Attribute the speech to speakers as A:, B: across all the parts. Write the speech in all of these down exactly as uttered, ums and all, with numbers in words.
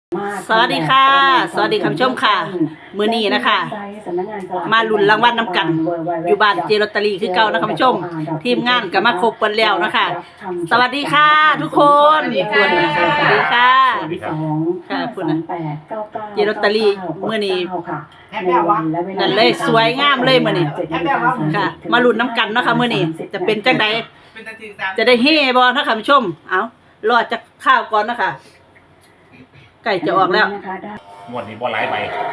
A: สวัสดีค่ะสวัสดีคุณผู้ชมค่ะมื้อนี้นะคะมาลุ้นรางวัลน้ำกันอยู่บ้านเจลอตเตอรี่คือเก่านะคุณผู้ชมทีมงานก็มาครบกันแล้วนะคะสวัสดีค่ะทุกคนสวัสดีค่ะค่ะคุณนะเจลอตเตอรี่มื้อนี้นั่นเลยสวยงามเลยมื้อนี้ค่ะมาลุ้นน้ำกันเนาะค่ะมื้อนี้จะเป็นจังไดจะได้เฮ่บ่เนาะค่ะคุณผู้ชมเอ้ารอจากข้าวก่อนนะคะไก่จะออกแล้ว
B: งวดนี้บ่หลายใบ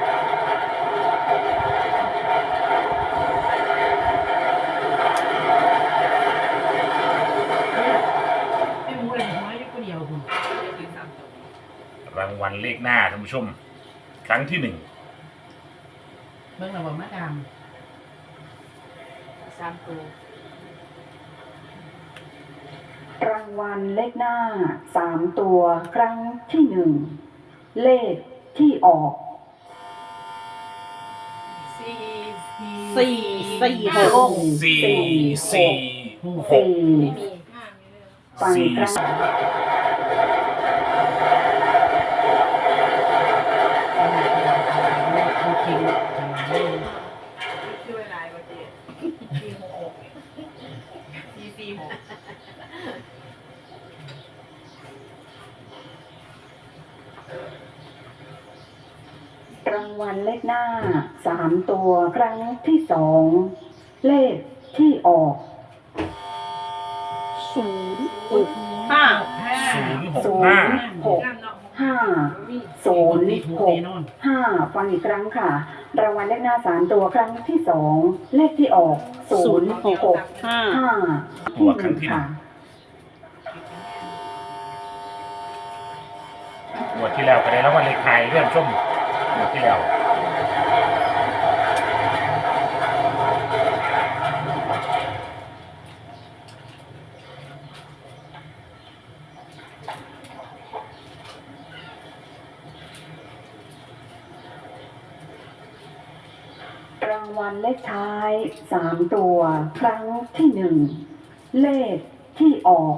B: รางวัลเลขหน้าท่านผู้ชมครั้งที่หนึ่ง
C: เบิ่งระบบมาดามสามตัว
D: รางวัลเลขหน้าสามตัวครั้งที่หนึ่งเลขที่ออก
C: สี่
A: สี่สี่หก
B: สี่สี่หก
D: ฟังครั้งรางวัลเลขหน้าสามตัวครั้งที่สองเลขที่ออกศูนย์หก
A: ห้า
B: ศูนย์หก
D: ศูนย์หกห้าศูนย์หกห้าฟังอีกครั้งค่ะรางวัลเลขหน้าสามตัวครั้งที่สองเลขที่ออกศูนย์หกห้า
B: ตัวครั้งที่หนึ่งงวดที่แล้วก็ได้รางวัลเลขไทยเรื่องชมงวดที่แล้ว
D: รางวัลเลขท้ายสามตัวครั้งที่หนึ่งเลขที่ออก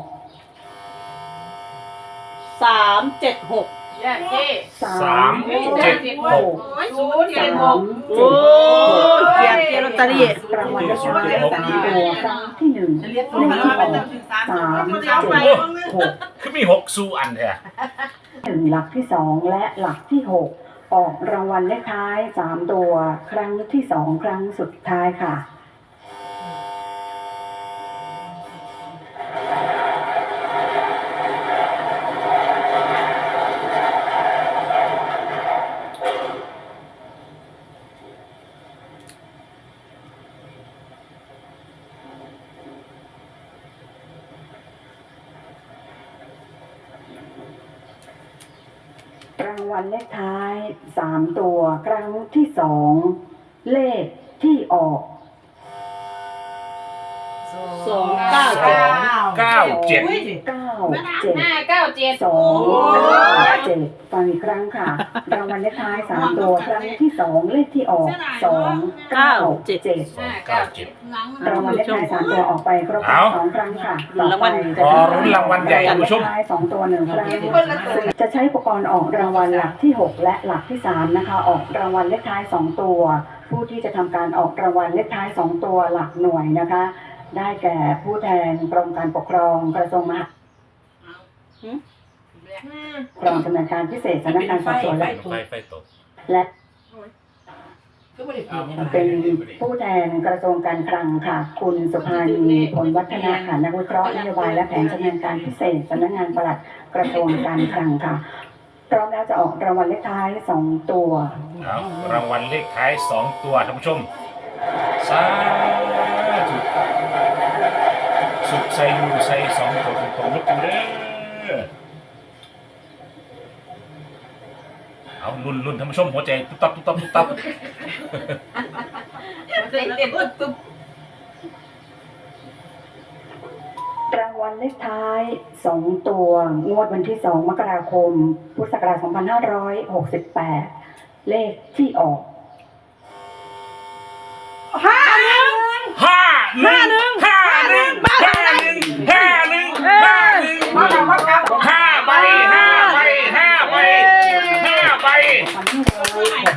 A: สามเจ็ดหก
D: สามเจ็ดหก
C: ศูนย์เจ็ดหก
A: โอ้เกียรติเจลอตเตอรี่
D: รางวัลเลขท้ายสามตัวครั้งที่หนึ่งเลขที่ออกสามเจ็ดหก
B: คือมีหกสู้อันแท้
D: หนึ่งหลักที่สองและหลักที่หกออกรางวัลเลขท้ายสามตัวครั้งที่สองครั้งสุดท้ายค่ะรางวัลเลขท้ายสามตัวครั้งที่สองเลขที่ออก
A: สองเก้าเจ็ด
B: เก้าเจ็ด
D: เก้าเจ็ด
C: ห้าเก้าเจ็ด
D: สองเก้าเจ็ดฟังอีกครั้งค่ะรางวัลเลขท้ายสามตัวครั้งที่สองเลขที่ออกสองเก้าเจ็ด
B: เก้าเจ็ด
D: รางวัลเลขท้ายสามตัวออกไปครบสองครั้งค่ะ
A: รางวัล
B: รอรุ้นรางวัลใหญ่คุณผู้ชม
D: ท้ายสองตัวหนึ่งครั้งจะใช้อุปกรณ์ออกรางวัลหลักที่หกและหลักที่สามนะคะออกรางวัลเลขท้ายสองตัวผู้ที่จะทำการออกรางวัลเลขท้ายสองตัวหลักหน่วยนะคะได้แก่ผู้แทนกรมการปกครองกระทรวงมหาดกรองชำนาญการพิเศษสำนักงานสอบสวนและและเป็นผู้แทนกระทรวงการคลังค่ะคุณสุภานีผลวัฒนาค่ะนักวิเคราะห์นโยบายและแผนชำนาญการพิเศษสำนักงานปลัดกระทรวงการคลังค่ะพร้อมแล้วจะออกรางวัลเลขท้ายสองตัว
B: รางวัลเลขท้ายสองตัวท่านผู้ชมสาธุสุดใส่ยูใส่สองตัวตรงๆลุกอยู่เด้อเอาลุ่นลุ่นท่านผู้ชมหัวใจตุ๊บตับตุ๊บตับตุ๊บตับ
D: รางวัลเลขท้ายสองตัวงวดวันที่สองมกราคมพุทธศักราชสองพันห้าร้อยหกสิบแปดเลขที่ออก
A: ห้าหนึ่ง
B: ห้าห้าหนึ่งห้าหนึ่งห้าหนึ่งห้าหนึ่งห้าหนึ่งห้าใบห้าใบห้าใบห้า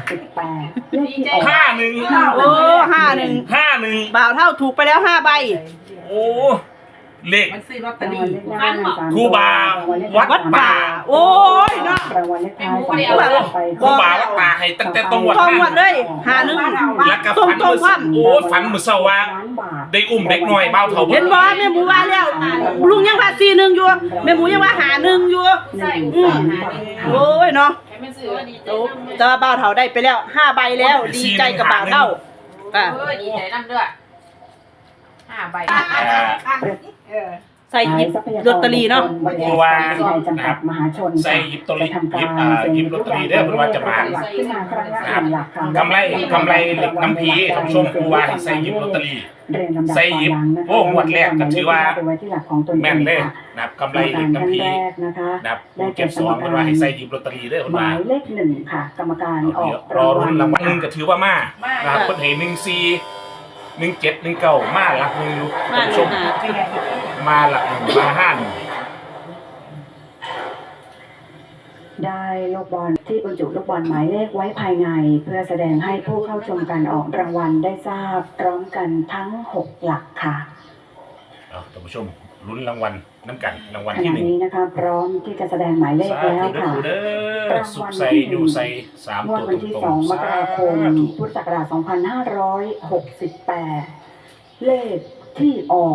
D: สิบแปดเลขที่ออก
B: ห้าหนึ่ง
A: โอ้ห้าหนึ่ง
B: ห้าหนึ่ง
A: บ่าวเท่าถูกไปแล้วห้าใบ
B: โอ้เลข
C: มันซื้อลอตเตอ
D: ราง
C: รี่
D: วัลเลขหน้าสาม
B: ครูบาวัด
A: วัดป่า โอ้ยเนาะ
D: รางวัลเลขท้ายสองตัวไป
B: ครูบาวัดป่าให้ตั้งแต่ตรงวัด
A: ตรงวัดเลยหาหนึ่ง
B: แล้วก็
A: ตรง
B: ฝัน
A: ตรง
B: มือ
A: ความ
B: โอ้ฝันมือเศร้าว่าได้อุ้มเด็กน้อยเบ้าเท่า
A: เห็นบ่แม่หมูว่าแล้วลุงยังว่าสี่หนึ่งอยู่แม่หมูยังว่าหาหนึ่งอยู่
D: ใช่
A: อืมโอ้ยเนาะ
C: ให้มันซื้อดีใจ
A: โอ้แต่ว่าบ่าวเท่าได้ไปแล้วห้าใบแล้ว ดีใจกับบ่าวเท่าอ่ะ
C: เออดีใจนั่นด้วยห้าใบ
B: อ่า
C: เออ
A: ใส่หยิบลอตเตอรี่เนาะ
B: เพราะว่า
D: จำกัดมหาชน
B: ใส่หยิบตัวเลขหยิบอ่าหยิบลอตเตอรี่เด้อเพิ่นว่าจะมา
D: ขึ้นมาครั้งละหนึ่งหลักค่ะ
B: กำไรกำไรเหล็กน้ำพีท่านผู้ชมครูว่าให้ใส่หยิบลอตเตอรี่
D: เรียนลำดับ
B: ใส่หยิบ
D: ความนะคะ
B: โอ้งวดแรกก็ถือว่า
D: ไปไว้ที่หลักของตนเอง
B: แม่นเลย
D: ค่ะ
B: นะครับกำไรเหล็ก
D: ท่าน
B: น้ำพี
D: แรกนะคะ
B: นะครับหมู่เก็บสองเพิ่นว่าให้ใส่หยิบลอตเตอรี่เด้อเพิ่น
D: ห
B: ว่า
D: มายเลขหนึ่งค่ะ กรรมการออก
B: รอรุ่นรางวัลหนึ่งก็ถือว่ามานะครับเพิ่นให้หนึ่งสี่หนึ่งเจ็ดหนึ่งเก้ามาหลักหนึ่งอยู่
A: มา
B: ท่านผู้ช
A: ลู
B: ม
A: กหา
B: มาหลักหนึ่งมาห้าหนึ่ง
D: ได้ลูกบอลที่บรรจุลูกบอลหมายเลขไว้ภายใน เพื่อแสดงให้ผู้เข้าชมการออกรางวัลได้ทราบพร้อมกันทั้งหกหลักค่ะ
B: เอาท่านผู้ชมลุ้นรางวัลน้ำกันรางวัล
D: ข
B: ที่
D: ณะ
B: หนึ่ง
D: นี้นะคะพร้อมที่จะแสดงหมายเลข
B: สา
D: แล้ว
B: ธุ
D: ค่ะ
B: เด้อสุขใส่อยู่ใส่สาม
D: งวด
B: ตัว
D: วัน
B: ต
D: ที่
B: รง
D: สอง
B: ๆ
D: มกราคม
B: สาธุ
D: พุทธศักราชสองพันห้าร้อยหกสิบแปดเลขที่ออก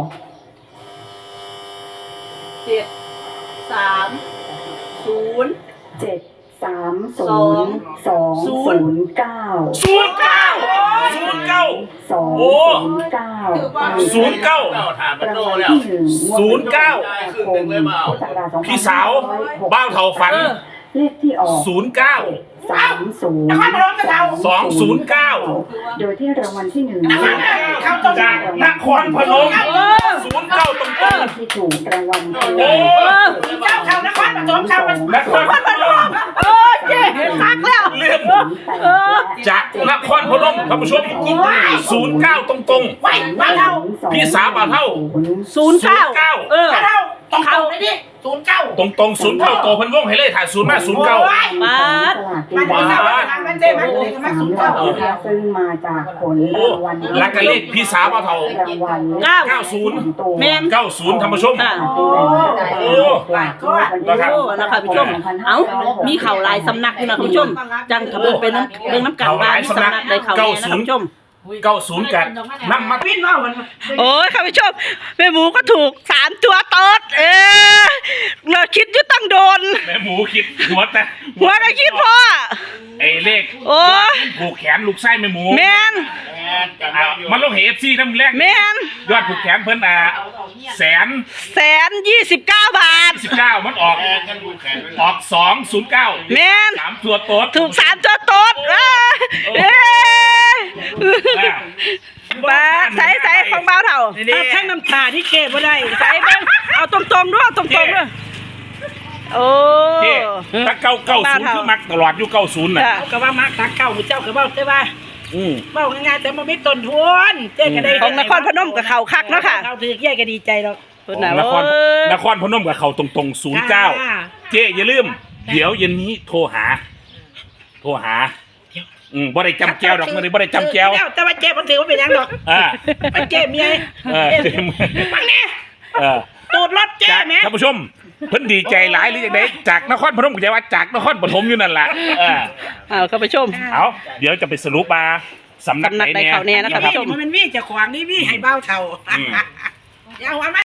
A: เจ็ดสามศูนย์
D: เจ็ดสามศูนย์สองศูนย์เก้า
B: ศูนย์เก้าศูนย์เก้า
D: สอง
B: โอ้
D: ศูนย์เก้า
B: ศูนย์เก้า
D: รางวัลที่หนึ่ง
B: ศูนย์เก้า
D: พุทธศักราชสองพัน
B: พี่สาว
D: ห้าร้อยหกสิบ
B: บ้าวเท่าฝัน
D: เลขที่ออก
B: ศูนย์เก้า
D: สามศูนย์
B: สองศูนย์เก้า
D: โดยที่รางวัลที่หนึ่ง
B: จากนครพนมศูนย์เก้าตรงตรง
D: ที่ถูกรางวัลคือ
B: โอ้
C: เจ้าเขานครปฐมเขามัน
B: นครพนม
A: เออเจ๊คักแล้ว
B: เรื่องจากนครพนมท่านผู้ชมศูนย์เก้าตรงตรง
C: ไหวบ้านเรา
B: พี่สาวบ่าวเท่า
A: ศูนย์เก้า
B: เก้า
A: เออ
C: บ้านเราต้องเข้าเลยดิศูนย์เก้า
B: ตรงตรงศูนย์เก้าโตเพันวงให้เลยถ่ายศูนย์มาศูนย์เก้า
A: มา
D: มัน
B: บ้า
C: มันเจ๊มันเลยมันศูนย์เก้า
D: ซึ่งมาจากผลรางวัล
B: ลักกะเลขพี่สาวบ่าวเท่าร
D: างวัล
A: เก้า
B: เก้าศูนย์
A: แมน
B: เก้าศูนย์ท่านผู้ชม
A: อ่ะ
B: โอ้
A: โอ้นะคะผู้ชม เอ้า มีเข่าหลายสำนักอยู่นะคุณผู้ชม จังทะเบิดเป็นน้ำเรื่องน้ำกันบ้านมีสำนักใดเข่าแน่นะคุณผู้ชม
B: เก้าศูนย์กันน้ำมา
C: วิ่งว่ามัน
A: โอ้ยค่ะผู้ชมแม่หมูก็ถูกสามตัวโต๊ดเออเราคิดอยู่ตั้งโดน
B: แม่หมูคิดหัวแต่
A: หัวก็คิดพ่อ
B: ไอ้เลข
A: โอ้ย
B: ผูกแขนลูกไส้แม่หมู
A: แมน
B: อ่ะมันลงเหตุซีน้ำแรก
A: แมน
B: ยอดผูกแขนเพิ่นอ่ะแสน
A: แสนยี่สิบเก้าบาท
B: สิบเก้ามันออกออกสองศูนย์เก้า
A: แมน
B: สามตัวโต๊ด
A: ถูกสามตัวโต๊ดเออเอ้ย
B: อ่ะ
A: ปาใส่ใส่ของเบาเท่า
C: ถ้าแท่งน้ำตาที่เก็บไว้ได้
A: ใส่เบ้างเอาตรงๆด้วยตรงๆด้วยโอ้
B: เจ๊ถ้าเก้าเก้าศูนย์คือมักตลอดอยู่เก้าศูนย์น่ะ
A: จ้ะ
C: เขาก็ว่ามักตักเก่าเจ้าก็ว่าใช่ป่ะ
B: อืม
C: เบ้าง่ายๆแต่มันไม่ต้นทุนเจ๊ก็ได้
A: ของนครพนมกับเขาคักเนาะค่ะ
C: เขาถือแย่ก็ดีใจหรอก
A: เพิ่น
B: น
A: น่ะ
B: คร
A: เอ้ย
B: นครพนมกับเขาตรงๆศูนย์เก้าเจ๊อย่าลืม เดี๋ยวเย็นนี้โทรหา โทรหา อืมบ่ได้จำแก้วดอกมื้อนี้บ่ได้จำแก้ว
C: แต่ว่าเจ๊มันถือว่าเป็นยังดอก
B: อ่า
C: มันเจ๊เมีย
B: เออ
C: มันเนี่ย
B: เออ
C: ตูดรถเจ๊
B: จาก
C: แม่
B: ท่านผู้ชมเพิ่นดีใจหลายหรือจังไดจากนครพนมก็จะว่าจากนครปฐมอยู่นั่นล่ะเออ
A: เอาเข้าไปชม
B: เอาเดี๋ยวจะไปสรุปมาสำนักไหน
A: สำนักใดเขาแน่นะครับ
B: รับ
C: มันมีเจะขวางนี่มีให้เบ้าเท่า
B: อืม
C: อย่าหัวมัน